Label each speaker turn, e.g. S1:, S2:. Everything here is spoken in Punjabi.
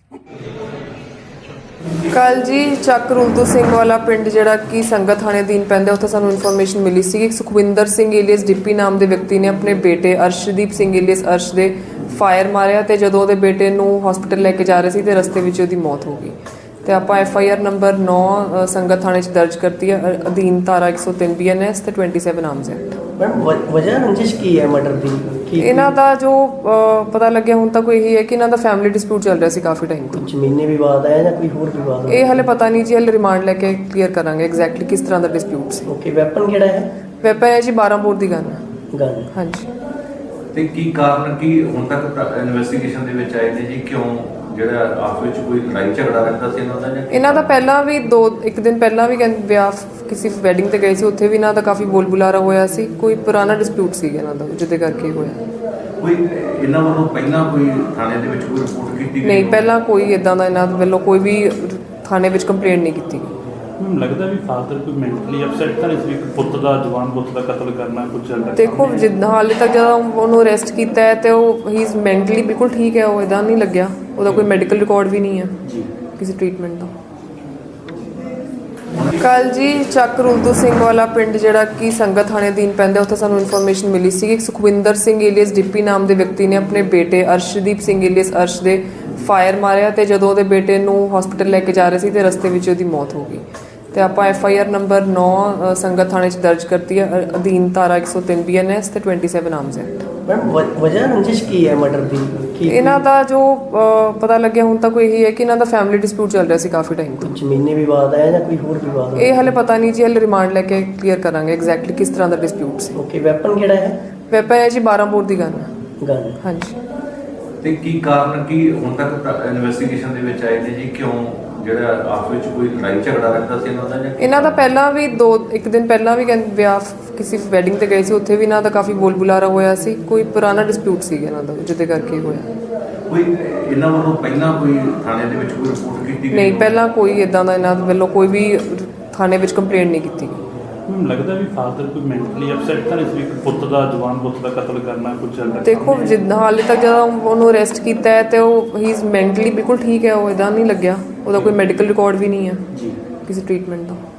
S1: ਕੱਲ ਜੀ ਚੱਕ ਰੁਲਦੂ ਸਿੰਘ ਵਾਲਾ ਪਿੰਡ ਜਿਹੜਾ ਕਿ ਸੰਗਤ ਥਾਣੇ ਅਧੀਨ ਪੈਂਦਾ, ਉੱਥੇ ਸਾਨੂੰ ਇਨਫੋਰਮੇਸ਼ਨ ਮਿਲੀ ਸੀ ਕਿ ਸੁਖਵਿੰਦਰ ਸਿੰਘ ਏਲੀਅਸ ਡਿੱਪੀ ਨਾਮ ਦੇ ਵਿਅਕਤੀ ਨੇ ਆਪਣੇ ਬੇਟੇ ਅਰਸ਼ਦੀਪ ਸਿੰਘ ਏਲੀਅਸ ਅਰਸ਼ ਦੇ ਫਾਇਰ ਮਾਰਿਆ ਤੇ ਜਦੋਂ ਉਹਦੇ ਬੇਟੇ ਨੂੰ ਹਸਪੀਟਲ ਲੈ ਕੇ ਜਾ ਰਹੇ ਸੀ ਤੇ ਰਸਤੇ ਵਿੱਚ ਉਹਦੀ ਮੌਤ ਹੋ ਗਈ। ਤੇ ਆਪਾਂ FIR ਨੰਬਰ 9 ਸੰਗਤ ਥਾਣੇ 'ਚ ਦਰਜ ਕਰਤੀ ਹੈ ਅਧੀਨ ਧਾਰਾ 103 BNS ਤੇ 27 ਆਰਮਸ ਐਕਟ।
S2: ਮੈਮ ਵਜ੍ਹਾ ਰੰਜਿਸ਼ ਕੀ ਹੈ ਮਰਡਰ ਦੀ?
S1: ਇਹਨਾਂ ਦਾ ਜੋ ਪਤਾ ਲੱਗਿਆ ਹੁਣ ਤੱਕ ਇਹੀ ਹੈ ਕਿ ਇਹਨਾਂ ਦਾ ਫੈਮਿਲੀ ਡਿਸਪਿਊਟ ਚੱਲ ਰਿਹਾ ਸੀ ਕਾਫੀ ਟਾਈਮ ਤੋਂ।
S2: ਜ਼ਮੀਨੀ ਵਿਵਾਦ ਹੈ ਜਾਂ ਕੋਈ ਹੋਰ ਵਿਵਾਦ ਹੈ?
S1: ਇਹ ਹਲੇ ਪਤਾ ਨਹੀਂ ਜੀ, ਹਲੇ ਰਿਮਾਂਡ ਲੈ ਕੇ ਕਲੀਅਰ ਕਰਾਂਗੇ ਐਗਜ਼ੈਕਟਲੀ ਕਿਸ ਤਰ੍ਹਾਂ ਦਾ ਡਿਸਪਿਊਟ ਸੀ।
S2: ਓਕੇ, ਵੈਪਨ ਕਿਹੜਾ ਹੈ?
S1: ਵੈਪਨ ਹੈ ਜੀ 12 ਬੋਰ ਦੀ ਗਨ। ਹਾਂਜੀ।
S3: ਤੇ ਕੀ ਕਾਰਨ ਕੀ ਹੁਣ ਤੱਕ ਇਨਵੈਸਟੀਗੇਸ਼ਨ ਦੇ ਵਿੱਚ ਆਏ ਨੇ ਜੀ? ਕਿਉਂ ਜਿਹੜਾ ਆਪਸ ਵਿੱਚ ਕੋਈ ਲੜਾਈ ਝਗੜਾ ਰਹਿੰਦਾ ਸੀ ਇਹਨਾਂ ਦਾ?
S1: ਇਹਨਾਂ ਦਾ ਪਹਿਲਾਂ ਵੀ ਇੱਕ ਦਿਨ ਪਹਿਲਾਂ ਵੀ ਵਿਆਹ ਕਿਸੇ ਵੈਡਿੰਗ ਤੇ ਗਏ ਸੀ, ਉੱਥੇ ਵੀ ਇਹਨਾਂ ਦਾ ਕਾਫੀ ਬੋਲ ਬੁਲਾਰਾ ਹੋਇਆ ਸੀ। ਕੋਈ ਪੁਰਾਣਾ ਡਿਸਪਿਊਟ ਸੀ ਇਹਨਾਂ ਦਾ ਜਿਹਦੇ ਕਰਕੇ ਹੋਇਆ।
S3: ਕੋਈ ਇਹਨਾਂ ਵੱਲੋਂ ਪਹਿਲਾਂ ਕੋਈ ਥਾਣੇ ਦੇ ਵਿੱਚ ਕੋਈ ਰਿਪੋਰਟ ਕੀਤੀ?
S1: ਨਹੀਂ, ਪਹਿਲਾਂ ਕੋਈ ਇਦਾਂ ਦਾ ਇਹਨਾਂ ਵੱਲੋਂ ਕੋਈ ਵੀ ਥਾਣੇ ਵਿੱਚ ਕੰਪਲੇਂਟ ਨਹੀਂ ਕੀਤੀ।
S4: ਮੈਨੂੰ ਲੱਗਦਾ ਵੀ ਫਾਦਰ ਕੋਈ ਮੈਂਟਲੀ ਅਪਸੈਟ ਤਾਂ ਨਹੀਂ ਸੀ, ਇੱਕ ਪੁੱਤ ਦਾ ਜਵਾਨ ਪੁੱਤ ਦਾ ਕਤਲ ਕਰਨਾ ਕੁਝ ਚੱਲ ਰਿਹਾ?
S1: ਦੇਖੋ ਜਿੱਦਾਂ ਹਾਲੇ ਤੱਕ ਜਦੋਂ ਉਹਨੂੰ ਅਰੈਸਟ ਕੀਤਾ ਹੈ ਤੇ ਉਹ ਹੀ ਇਜ਼ ਮੈਂਟਲੀ ਬਿਲਕੁਲ ਠੀਕ ਹੈ, ਉਹ ਇਦਾਂ ਨਹੀਂ ਲੱਗਿਆ। ਉਹਦਾ ਕੋਈ ਮੈਡੀਕਲ ਰਿਕਾਰਡ ਵੀ ਨਹੀਂ ਹੈ ਕਿਸੇ ਟ੍ਰੀਟਮੈਂਟ ਦਾ। ਕੱਲ ਜੀ ਚੱਕ ਰੁਲਦੂ ਸਿੰਘ ਵਾਲਾ ਪਿੰਡ ਜਿਹੜਾ ਕਿ ਸੰਗਤ ਥਾਣੇ ਅਧੀਨ ਪੈਂਦਾ, ਉੱਥੇ ਸਾਨੂੰ ਇਨਫੋਰਮੇਸ਼ਨ ਮਿਲੀ ਸੀ ਕਿ ਸੁਖਵਿੰਦਰ ਸਿੰਘ ਏਲੀਅਸ ਡਿੱਪੀ ਨਾਮ ਦੇ ਵਿਅਕਤੀ ਨੇ ਆਪਣੇ ਬੇਟੇ ਅਰਸ਼ਦੀਪ ਸਿੰਘ ਏਲੀਅਸ ਅਰਸ਼ ਦੇ ਫਾਇਰ ਮਾਰਿਆ ਤੇ ਜਦੋਂ ਉਹਦੇ ਬੇਟੇ ਨੂੰ ਹਸਪੀਟਲ ਲੈ ਕੇ ਜਾ ਰਹੇ ਸੀ ਤੇ ਰਸਤੇ ਵਿੱਚ ਉਹਦੀ ਮੌਤ ਹੋ ਗਈ। ਤੇ ਆਪਾਂ FIR ਨੰਬਰ 9 ਸੰਗਤ ਥਾਣੇ 'ਚ ਦਰਜ ਕਰਤੀ ਹੈ ਅਧੀਨ ਧਾਰਾ 103 BNS ਤੇ 27 ਆਰਮਸ ਐਕਟ।
S2: ਮੈਮ ਵਜ੍ਹਾ ਰੰਜਿਸ਼ ਕੀ ਹੈ ਮਰਡਰ ਦੀ?
S1: ਇਹਨਾਂ ਦਾ ਜੋ ਪਤਾ ਲੱਗਿਆ ਹੁਣ ਤੱਕ ਇਹੀ ਹੈ ਕਿ ਇਹਨਾਂ ਦਾ ਫੈਮਿਲੀ ਡਿਸਪਿਊਟ ਚੱਲ ਰਿਹਾ ਸੀ ਕਾਫੀ ਟਾਈਮ ਤੋਂ।
S2: ਜ਼ਮੀਨੀ ਵਿਵਾਦ ਹੈ ਜਾਂ ਕੋਈ ਹੋਰ ਵਿਵਾਦ ਹੈ?
S1: ਇਹ ਹਲੇ ਪਤਾ ਨਹੀਂ ਜੀ, ਹਲੇ ਰਿਮਾਂਡ ਲੈ ਕੇ ਕਲੀਅਰ ਕਰਾਂਗੇ ਐਗਜ਼ੈਕਟਲੀ ਕਿਸ ਤਰ੍ਹਾਂ ਦਾ ਡਿਸਪਿਊਟ ਸੀ।
S2: ਓਕੇ, ਵੈਪਨ ਕਿਹੜਾ ਹੈ?
S1: ਵੈਪਨ ਹੈ ਜੀ 12 ਬੋਰ ਦੀ ਗਨ। ਹਾਂਜੀ।
S3: ਤੇ ਕੀ ਕਾਰਨ ਕੀ ਹੁਣ ਤੱਕ ਇਨਵੈਸਟੀਗੇਸ਼ਨ ਦੇ ਵਿੱਚ ਆਏ ਨੇ ਜੀ? ਕਿਉਂ ਜਿਹੜਾ ਆਪਸ ਵਿੱਚ ਕੋਈ ਲੜਾਈ ਝਗੜਾ ਰਹਿੰਦਾ ਸੀ ਇਹਨਾਂ ਦਾ?
S1: ਇਹਨਾਂ ਦਾ ਪਹਿਲਾਂ ਵੀ ਇੱਕ ਦਿਨ ਪਹਿਲਾਂ ਵੀ ਵਿਆਹ ਕਿਸੇ ਵੈਡਿੰਗ ਤੇ ਗਏ ਸੀ, ਉੱਥੇ ਵੀ ਇਹਨਾਂ ਦਾ ਕਾਫੀ ਬੋਲ ਬੁਲਾਰਾ ਹੋਇਆ ਸੀ। ਕੋਈ ਪੁਰਾਣਾ ਡਿਸਪਿਊਟ ਸੀ ਇਹਨਾਂ ਦਾ ਜਿਹਦੇ ਕਰਕੇ ਹੋਇਆ।
S3: ਕੋਈ ਇਹਨਾਂ ਵੱਲੋਂ ਪਹਿਲਾਂ ਕੋਈ ਥਾਣੇ ਦੇ ਵਿੱਚ ਕੋਈ ਰਿਪੋਰਟ ਕੀਤੀ?
S1: ਨਹੀਂ, ਪਹਿਲਾਂ ਕੋਈ ਇਦਾਂ ਦਾ ਇਹਨਾਂ ਵੱਲੋਂ ਕੋਈ ਵੀ ਥਾਣੇ ਵਿੱਚ ਕੰਪਲੇਂਟ ਨਹੀਂ ਕੀਤੀ।
S4: ਮੈਨੂੰ ਲੱਗਦਾ ਵੀ ਫਾਦਰ ਕੋਈ ਮੈਂਟਲੀ ਅਪਸੈਟ ਤਾਂ ਨਹੀਂ ਸੀ, ਇੱਕ ਪੁੱਤ ਦਾ ਜਵਾਨ ਪੁੱਤ ਦਾ ਕਤਲ ਕਰਨਾ ਕੁਝ ਚੱਲ ਰਿਹਾ?
S1: ਦੇਖੋ ਜਿੱਦਾਂ ਹਾਲੇ ਤੱਕ ਜਦੋਂ ਉਹਨੂੰ ਅਰੈਸਟ ਕੀਤਾ ਹੈ ਤੇ ਉਹ ਹੀ ਇਜ਼ ਮੈਂਟਲੀ ਬਿਲਕੁਲ ਠੀਕ ਹੈ, ਉਹ ਇਦਾਂ ਨਹੀਂ ਲੱਗਿਆ। ਉਹਦਾ ਕੋਈ ਮੈਡੀਕਲ ਰਿਕਾਰਡ ਵੀ ਨਹੀਂ ਹੈ ਕਿਸੇ ਟ੍ਰੀਟਮੈਂਟ ਦਾ।